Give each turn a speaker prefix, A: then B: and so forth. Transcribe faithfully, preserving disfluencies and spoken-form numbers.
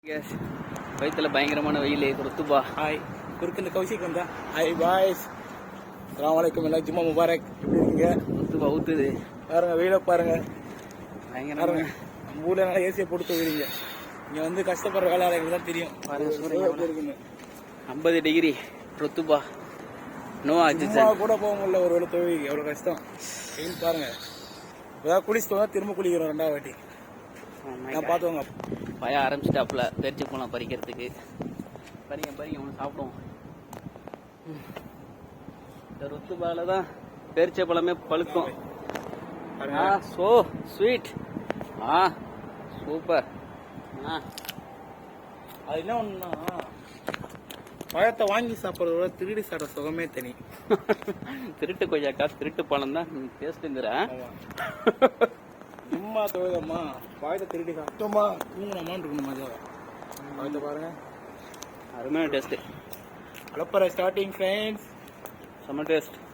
A: வயிற்றுல பயங்கரமான வெயில் ருத்துபா.
B: ஹாய், குறுக்கு இந்த கௌசிக் வந்தா. ஹாய் பாய்ஸ், அஸ்ஸலாமு அலைக்கும். எல்லாம் ஜும்மா முபாரக். எப்படி இருக்கீங்க?
A: ருத்துபா ஊத்துது
B: பாருங்க, வெயில பாருங்க.
A: பயங்கரமாக
B: நம்ம ஊர்ல நல்லா ஏசியை போட்டு போயிருங்க. இங்க வந்து கஷ்டப்படுற வேலையாளர்களுக்கு தான் தெரியும்.
A: பாருங்க சூரியன் இருக்குன்னு. ஐம்பது டிகிரி ருத்துபா. நோ ஆக்சிஜன்
B: கூட போக முடியல. ஒரு வேலை தொழில் எவ்வளவு கஷ்டம். வெயில் பாருங்க. ஏதாவது குளிச்சுட்டு வந்தா திரும்ப குளிக்கிறோம் ரெண்டாவது வாட்டி. நான் பார்த்துவாங்க.
A: பய ஆரம்பிச்சிட்டாப்புல பேரிச்சி போகலாம் பறிக்கிறதுக்கு. பறிங்க பறிங்க ஒன்று சாப்பிடுவோம். இந்த ருத்துபால தான் பேரிச்சை பழமே பழுக்கும். Ah so sweet. Ah super. ஆ
B: அது என்ன ஒண்ணுன்னா, பழத்தை வாங்கி சாப்பிட்றதோட திருடி சாப்பிட்ற சுகமே தனி.
A: திருட்டு கொய்யாக்கா திருட்டு பழம் தான் டேஸ்ட்டுங்கிற.
B: சும்மா தொழுதம்மா பழத்தை திருடி சாப்பிட்டோமா தூங்கணுமான்னு இருக்கணும் மஜா. பழத்தை பாருங்க,
A: அருமையான டேஸ்ட்டு.
B: அலப்பற ஸ்டார்டிங் ஃப்ரெண்ட்ஸ்.
A: செம்ம டேஸ்ட்.